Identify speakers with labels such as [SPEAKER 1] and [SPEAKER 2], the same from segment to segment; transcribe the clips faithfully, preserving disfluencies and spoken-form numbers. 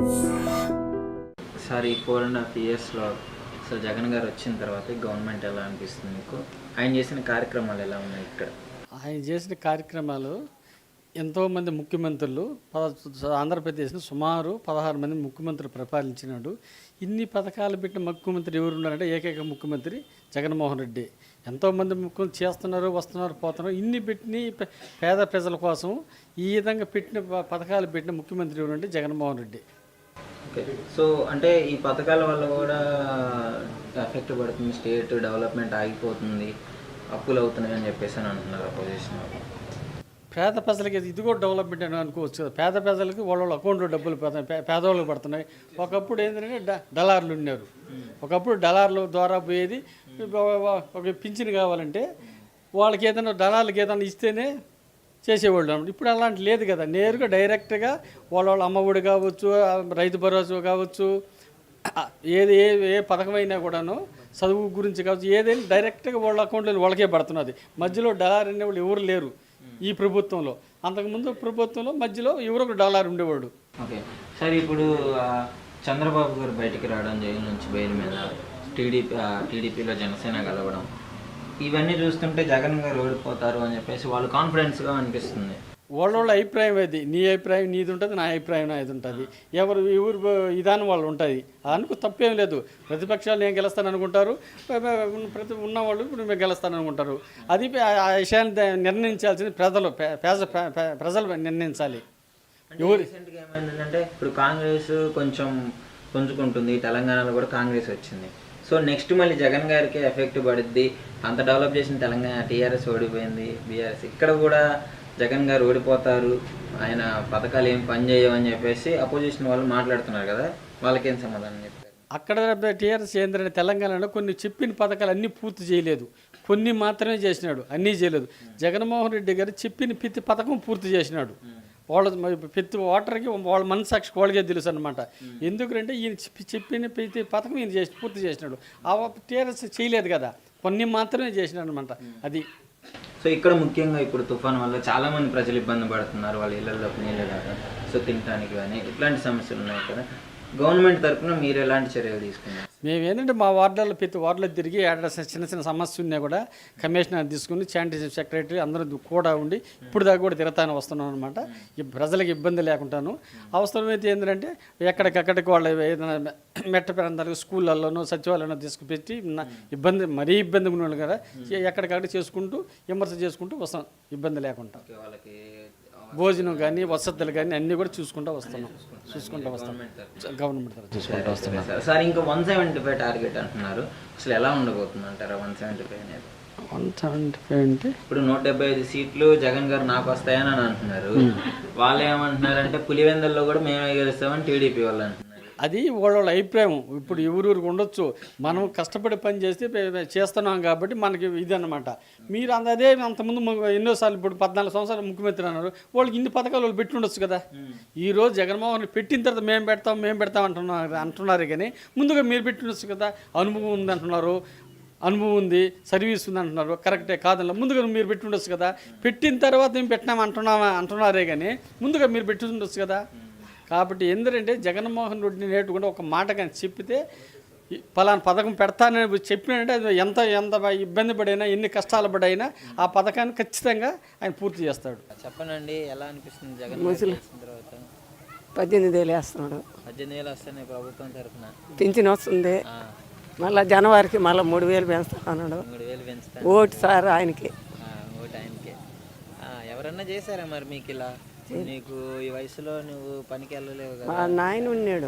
[SPEAKER 1] Sir ఈ four and half ఇయర్స్లో అసలు జగన్ గారు వచ్చిన తర్వాత గవర్నమెంట్ ఎలా అనిపిస్తుంది మీకు? ఆయన చేసిన కార్యక్రమాలు ఎలా ఉన్నాయి ఇక్కడ?
[SPEAKER 2] ఆయన చేసిన కార్యక్రమాలు ఎంతోమంది ముఖ్యమంత్రులు పద ఆంధ్రప్రదేశ్ని సుమారు పదహారు మంది ముఖ్యమంత్రులు పరిపాలించినాడు. ఇన్ని పథకాలు పెట్టిన ముఖ్యమంత్రి ఎవరు ఉన్నారంటే ఏకైక ముఖ్యమంత్రి జగన్మోహన్ రెడ్డి. ఎంతోమంది ముఖ్యమంత్రి చేస్తున్నారు, వస్తున్నారు, పోతున్నారు. ఇన్ని పెట్టిన పేద ప్రజల కోసం ఈ విధంగా పెట్టిన పథకాలు పెట్టిన ముఖ్యమంత్రి ఎవరంటే జగన్మోహన్ రెడ్డి.
[SPEAKER 1] ఓకే, సో అంటే ఈ పథకాల వల్ల కూడా ఎఫెక్ట్ పడుతుంది, స్టేట్ డెవలప్మెంట్ ఆగిపోతుంది, అప్పులు అవుతున్నాయి అని చెప్పేసి అని అంటున్నారు అపోజిషన్ వాళ్ళు.
[SPEAKER 2] పేద ప్రజలకి ఇది కూడా డెవలప్మెంట్ అని అనుకోవచ్చు కదా. పేద ప్రజలకి వాళ్ళ వాళ్ళ అకౌంట్లో డబ్బులు పడుతున్నాయి, పేదవాళ్ళకి పడుతున్నాయి. ఒకప్పుడు ఏంటంటే డ డలార్లు ఉన్నారు. ఒకప్పుడు డలార్ల ద్వారా పోయేది. ఒక పింఛన్ కావాలంటే వాళ్ళకి ఏదైనా డలార్లకి ఏదైనా ఇస్తేనే చేసేవాళ్ళు. ఇప్పుడు అలాంటి లేదు కదా. నేరుగా డైరెక్ట్గా వాళ్ళ వాళ్ళ అమ్మఒడి కావచ్చు, రైతు భరోసా కావచ్చు, ఏది ఏ ఏ పథకమైనా కూడాను చదువు గురించి కావచ్చు, ఏదైనా డైరెక్ట్గా వాళ్ళ అకౌంట్లో వాళ్ళకే పడుతున్నది. మధ్యలో డలార్ అనేవాళ్ళు ఎవరు లేరు ఈ ప్రభుత్వంలో. అంతకుముందు ప్రభుత్వంలో మధ్యలో ఎవరో ఒక డాలర్ ఉండేవాడు.
[SPEAKER 1] ఓకే సార్, ఇప్పుడు చంద్రబాబు గారు బయటికి రావడం, జైలు నుంచి బెయిల్ మీద టీడీపీ టీడీపీలో జనసేన కలవడం, ఇవన్నీ చూస్తుంటే జగన్ గారు ఓడిపోతారు అని చెప్పేసి వాళ్ళు కాన్ఫిడెన్స్గా అనిపిస్తుంది.
[SPEAKER 2] వాళ్ళ వాళ్ళ అభిప్రాయం అది. నీ అభిప్రాయం నీది ఉంటుంది, నా అభిప్రాయం నాది ఉంటుంది. ఎవరు ఎవరు విధానం వాళ్ళు ఉంటుంది. అనుకో తప్పేం లేదు. ప్రతిపక్షాలు నేను గెలుస్తాను అనుకుంటారు, ప్రతి ఉన్నవాళ్ళు ఇప్పుడు మేము గెలుస్తాను అనుకుంటారు. అది ఆ విషయాన్ని నిర్ణయించాల్సింది ప్రజలు పేద ప్రజలు నిర్ణయించాలి.
[SPEAKER 1] ఎవరు రీసెంట్గా ఏమైందంటే ఇప్పుడు కాంగ్రెస్ కొంచెం పుంజుకుంటుంది, తెలంగాణలో కూడా కాంగ్రెస్ వచ్చింది. సో నెక్స్ట్ మళ్ళీ జగన్ గారికి ఎఫెక్ట్ పడుద్ది. అంత డెవలప్ చేసిన తెలంగాణ టీఆర్ఎస్ ఓడిపోయింది, బీఆర్ఎస్ ఇక్కడ కూడా జగన్ గారు ఓడిపోతారు, ఆయన పథకాలు ఏం పనిచేయవు అని చెప్పేసి అపోజిషన్ వాళ్ళు మాట్లాడుతున్నారు కదా, వాళ్ళకేం సమాధానం చెప్తారు?
[SPEAKER 2] అక్కడ టీఆర్ఎస్ ఏంటంటే తెలంగాణలో కొన్ని చెప్పిన పథకాలు అన్నీ పూర్తి చేయలేదు, కొన్ని మాత్రమే చేసినాడు, అన్నీ చేయలేదు. జగన్మోహన్ రెడ్డి గారు చెప్పిన ప్రతి పథకం పూర్తి చేసినాడు. వాళ్ళ ప్రతి ఓటర్కి వాళ్ళ మనసాక్షి వాళ్ళకే తెలుసు అనమాట. ఎందుకంటే ఈయన చెప్పిన ప్రతి పథకం ఈయన చేసి పూర్తి చేసినాడు. ఆ టీఆర్ఎస్ చేయలేదు కదా, కొన్ని మాత్రమే చేసినాడు అనమాట. అది
[SPEAKER 1] సో ఇక్కడ ముఖ్యంగా ఇప్పుడు తుఫాన్ వల్ల చాలామంది ప్రజలు ఇబ్బంది పడుతున్నారు, వాళ్ళ ఇళ్లలోకి నీళ్ళు రాక, సో తినడానికి కానీ ఇట్లాంటి సమస్యలు ఉన్నాయి కదా. గవర్నమెంట్ తరఫున మీరు ఎలాంటి చర్యలు తీసుకున్నారు?
[SPEAKER 2] మేము ఏంటంటే మా వార్డులో ప్రతి వార్డులో తిరిగి ఏడాది చిన్న చిన్న సమస్య ఉన్నా కూడా కమిషనర్ తీసుకుని శానిటేషన్ సెక్రటరీ అందరూ కూడా ఉండి ఇప్పుడు దాకా కూడా తిరుగుతాను వస్తున్నాం అనమాట. ఈ ప్రజలకు ఇబ్బంది లేకుండాను. అవసరమైతే ఏంటంటే ఎక్కడికక్కడికి వాళ్ళ ఏదైనా మెట్ట ప్రాంతాలకు స్కూళ్ళల్లోనూ సచివాలయంలో తీసుకుపెట్టి ఇబ్బంది మరీ ఇబ్బంది ఉన్నాడు కదా, ఎక్కడికక్కడ చేసుకుంటూ విమర్శ చేసుకుంటూ వస్తాం ఇబ్బంది లేకుండా.
[SPEAKER 1] వాళ్ళకి
[SPEAKER 2] భోజనం కానీ వసతులు కానీ అన్నీ కూడా చూసుకుంటూ వస్తున్నాం చూసుకుంటూ వస్తాం గవర్నమెంట్ తరఫు చూసుకుంటూ వస్తున్నాం.
[SPEAKER 1] సార్ ఇంకా వన్ సెవెంటీ ఫైవ్ టార్గెట్ అంటున్నారు, అసలు ఎలా ఉండబోతుంది అంటారా వన్ సెవెంటీ ఫైవ్ అనేది?
[SPEAKER 2] వన్ సెవెంటీ ఫైవ్ అంటే ఇప్పుడు
[SPEAKER 1] నూట డెబ్బై ఐదు సీట్లు జగన్ గారు నాకు వస్తాయని అని అంటున్నారు. వాళ్ళు ఏమంటున్నారంటే పులివెందుల్లో కూడా మేమే గెలుస్తామని టీడీపీ వాళ్ళు అంటున్నారు.
[SPEAKER 2] అది వాళ్ళ వాళ్ళ అభిప్రాయం. ఇప్పుడు ఎవరికి ఉండొచ్చు, మనం కష్టపడి పని చేస్తే చేస్తున్నాం కాబట్టి మనకి ఇది అన్నమాట. మీరు అదే అంతకుముందు ఎన్నోసార్లు ఇప్పుడు పద్నాలుగు సంవత్సరాలు ముఖ్యమంత్రి అన్నారు, వాళ్ళకి ఇన్ని పథకాలు వాళ్ళు పెట్టి ఉండొచ్చు కదా. ఈరోజు జగన్మోహన్ పెట్టిన తర్వాత మేము పెడతాం మేము పెడతాం అంటున్నారు అంటున్నారు కానీ ముందుగా మీరు పెట్టి ఉండొచ్చు కదా. అనుభవం ఉంది అంటున్నారు, అనుభవం ఉంది, సర్వీస్ ఉంది అంటున్నారు, కరెక్టే కాదన్నా ముందుగా మీరు పెట్టి ఉండొచ్చు కదా. పెట్టిన తర్వాత మేము పెట్టినాం అంటున్నామా అంటున్నారే కానీ ముందుగా మీరు పెట్టి ఉండొచ్చు కదా. కాబట్టి ఎందుకంటే జగన్మోహన్ రెడ్డిని నేర్చుకుంటే ఒక మాట కానీ చెప్పితే పలానా పథకం పెడతానని చెప్పినంటే అది ఎంత ఎంత ఇబ్బంది పడైనా ఎన్ని కష్టాలు పడైనా ఆ పథకాన్ని ఖచ్చితంగా ఆయన పూర్తి చేస్తాడు.
[SPEAKER 1] చెప్పనండి ఎలా అనిపిస్తుంది జగన్ తర్వాత?
[SPEAKER 3] పద్దెనిమిది వేలు వేస్తున్నాడు.
[SPEAKER 1] పద్దెనిమిది వేలు వస్తున్నాయి ప్రభుత్వం తరఫున,
[SPEAKER 3] పింఛన్ వస్తుంది. మళ్ళీ జనవరికి మళ్ళీ మూడు వేలు పెంచుతున్నాడు.
[SPEAKER 1] మూడు వేలు పెంచుతా
[SPEAKER 3] ఓటు సార్ ఆయనకి,
[SPEAKER 1] ఓటు ఆయనకి. ఎవరన్నా చేశారా మరి మీకు ఇలా? నీకు ఈ వయసులో నువ్వు పనికి వెళ్ళలేవు కదా.
[SPEAKER 3] మా నాయన ఉన్నాడు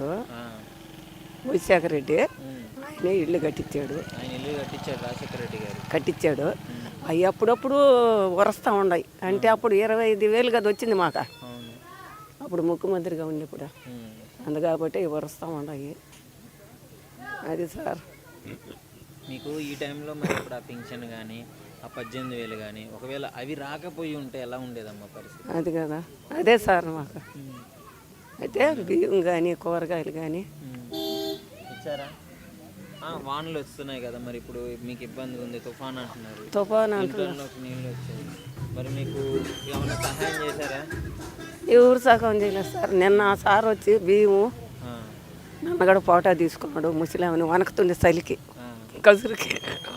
[SPEAKER 3] రాజశేఖర రెడ్డి, ఆయన ఇల్లు కట్టించాడు.
[SPEAKER 1] ఆయన ఇల్లు కట్టించాడు రాజశేఖర రెడ్డి గారు
[SPEAKER 3] కట్టించాడు. అవి అప్పుడప్పుడు వరస్తూ ఉన్నాయి. అంటే అప్పుడు ఇరవై ఐదు వేలు కదా వచ్చింది మాకు, అప్పుడు ముఖ్యమంత్రిగా ఉన్నప్పుడు. అందుకాబట్టి వరస్తూ ఉన్నాయి. అది సార్
[SPEAKER 1] మీకు ఈ టైంలో మరి ఇప్పుడు ఆ పింఛన్ కానీ ఆ పద్దెనిమిది వేలు కానీ ఒకవేళ అవి రాకపోయి ఉంటే ఎలా ఉండేదమ్మా పరిస్థితి?
[SPEAKER 3] అది కదా, అదే సార్ మాకు. అయితే బియ్యం కానీ కూరగాయలు కానీ
[SPEAKER 1] ఇచ్చారా? వానలు వస్తున్నాయి కదా మరి, ఇప్పుడు మీకు ఇబ్బంది ఉంది, తుఫాన్ అంటున్నారు,
[SPEAKER 3] తుఫాన్ అంటున్నారు,
[SPEAKER 1] నీళ్ళు వచ్చాయి, మరి మీకు ఏమైనా సహాయం చేశారా?
[SPEAKER 3] ఎవరు సహాయం చేయలేదు సార్. నిన్న సార్ వచ్చి బియ్యము నన్నగడ ఫోటో తీసుకున్నాడు ముసలామని వనకుతుండే చలికి కసురుకి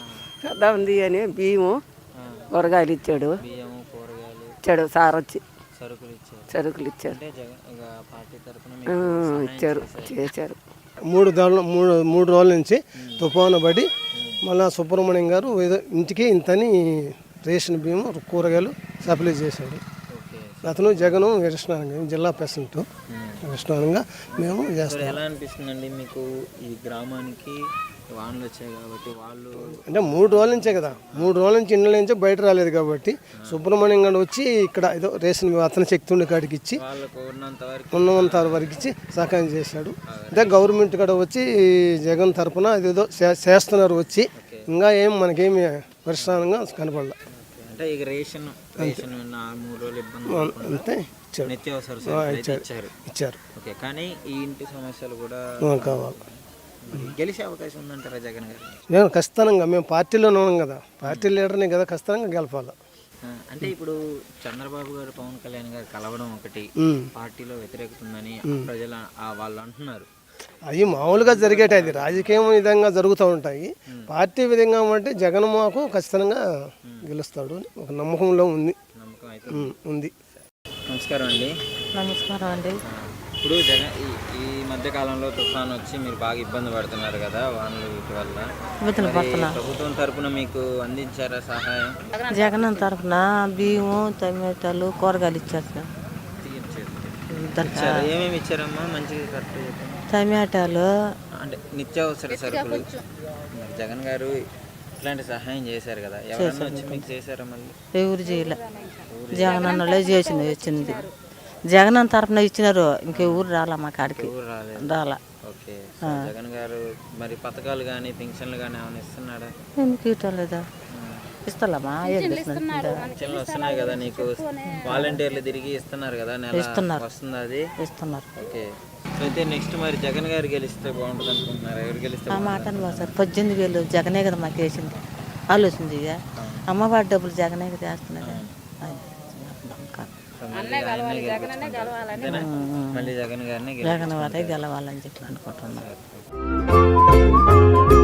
[SPEAKER 3] కదా ఉంది అని బియ్యము కూరగాయలు ఇచ్చాడు
[SPEAKER 1] బియ్యము కూరగాయలు
[SPEAKER 3] ఇచ్చాడు సార్ వచ్చి
[SPEAKER 1] సరుకులు ఇచ్చారు.
[SPEAKER 3] సరుకులు ఇచ్చారు
[SPEAKER 1] అంటే జగన్ ఇక పార్టీ తరఫున
[SPEAKER 3] ఆ, ఇచ్చారు చేశారు.
[SPEAKER 4] మూడు దారులు మూడు మూడు రోజుల నుంచి తుఫాను పడి మళ్ళా సుబ్రహ్మణ్యం గారు ఏదో ఇంటికి ఇంతని రేషన్ బియ్యం కూరగాయలు సప్లై చేశాడు. అతను జగను విరష్ణానంగా జిల్లా ప్రెసిడెంట్ విరష్ణానంగా మేము చేస్తాం.
[SPEAKER 1] ఎలా అనిపిస్తుందండి మీకు ఈ గ్రామానికి వానలు వచ్చాయి కాబట్టి వాళ్ళు
[SPEAKER 4] అంటే మూడు రోజుల నుంచే కదా మూడు రోజుల నుంచి ఇండ్ల నుంచే బయట రాలేదు కాబట్టి సుబ్రహ్మణ్యం గారు వచ్చి ఇక్కడ ఏదో రేషన్ అతని శక్తి ఉండే కాడికి ఇచ్చి
[SPEAKER 1] వాళ్ళకు ఉన్నంత వరకు
[SPEAKER 4] ఉన్నంత వరకు ఇచ్చి సహాయం చేశాడు. అదే గవర్నమెంట్ కూడా వచ్చి జగన్ తరఫున అదేదో చే- చేస్తున్నారు వచ్చి ఇంకా ఏం మనకేమి పరిష్కారంగా కనపడలే.
[SPEAKER 1] అంటే ఇక రేషన్ రేషన్ నా మూడు రోజులు ఇబ్బంది
[SPEAKER 4] అంతే ఇచ్చాడు
[SPEAKER 1] నిత్యావసర సరుకులు అయితే ఇచ్చారు.
[SPEAKER 4] ఇచ్చారు
[SPEAKER 1] ఓకే, కానీ ఈ ఇంటి సమస్యలు కూడా
[SPEAKER 4] ఆ, కావాలి.
[SPEAKER 1] మరి గెలిచే అవకాశం ఉందంటారా జగన్ గారు?
[SPEAKER 4] మేము ఖచ్చితంగా మేము పార్టీలోనే ఉన్నాం కదా పార్టీ లీడర్ని కదా ఖచ్చితంగా గెలపాలి.
[SPEAKER 1] ఆ, అంటే ఇప్పుడు చంద్రబాబు గారు పవన్ కళ్యాణ్ గారు కలవడం ఒకటి
[SPEAKER 4] ఉమ్.
[SPEAKER 1] పార్టీలో వ్యతిరేకత ఉందని ప్రజల ఆ వాళ్ళు అంటున్నారు.
[SPEAKER 4] అవి మామూలుగా జరిగేటి అది రాజకీయం విధంగా జరుగుతూ ఉంటాయి. పార్టీ విధంగా అంటే జగన్ మాకు ఖచ్చితంగా గెలుస్తాడు అని ఒక నమ్మకంలో ఉంది
[SPEAKER 1] నమ్మకం అయితే
[SPEAKER 4] ఉమ్, ఉంది.
[SPEAKER 1] నమస్కారం అండి.
[SPEAKER 5] నమస్కారం అండి.
[SPEAKER 1] ఇప్పుడు జగన్ ఈ ఈ మధ్య కాలంలో తుఫాన్ వచ్చి మీరు బాగా ఇబ్బంది పడుతున్నారు కదా వానలు వీటి వల్ల.
[SPEAKER 5] ఇబ్బందులు
[SPEAKER 1] మరి
[SPEAKER 5] పడుతున్నా.
[SPEAKER 1] ప్రభుత్వం తరపున మీకు అందించారా సహాయం?
[SPEAKER 5] జగన్ తరఫున బియ్యము టమాటాలు కూరగాయలు ఇచ్చారు సార్.
[SPEAKER 1] ఇచ్చారు.
[SPEAKER 5] ఇద్దరు
[SPEAKER 1] ఇచ్చారా? ఏమేమి ఇచ్చారమ్మా మంచిగా కరెక్ట్ చెప్పండి.
[SPEAKER 5] టమాటాలు
[SPEAKER 1] అంటే నిత్యావసర సరుకులు మరి జగన్ గారు ఇట్లాంటి సహాయం చేశారు కదా, ఎవరన్నా వచ్చి మీకు చేశారా? మళ్ళీ
[SPEAKER 5] ఎవరు చేయలే. జగన్ అన్నలే చేసింది వచ్చింది. జగన్ అన్న తరఫున ఇచ్చినారు, ఇంకే ఊరు రాలా మా కాడికి
[SPEAKER 1] ఊరు రాలేదు.
[SPEAKER 5] రాలా.
[SPEAKER 1] ఓకే, సో జగన్ గారు మరి పథకాలు కానీ పెన్షన్లు కానీ ఏమైనా ఇస్తున్నాడా?
[SPEAKER 5] ఎందుకు ఇవ్వటం లేదా? ఇస్తామా ఏం చేస్తున్నారు?
[SPEAKER 1] పెన్షన్లు వస్తున్నాయి కదా నీకు, వాలంటీర్లు తిరిగి ఇస్తున్నారు కదా, నెల వస్తుంది అది
[SPEAKER 5] ఇస్తున్నారు.
[SPEAKER 1] ఓకే, సో అయితే నెక్స్ట్ మరి జగన్ గారు గెలిస్తే బాగుంటుంది అనుకుంటున్నారు. ఎవరు గెలిస్తే
[SPEAKER 5] ఆ మాట అనుకో సార్. పద్దెనిమిది వేలు జగనే కదా మాకు వేసింది. ఆలోచింది ఇక అమ్మవారి డబ్బులు జగనే కదా వేస్తున్నారు. అది నమ్మకం.
[SPEAKER 1] అంతేనా? మళ్ళీ జగన్ గారిని
[SPEAKER 5] జగన్ వారే గెలవాలని చెప్పి అనుకుంటున్నాను.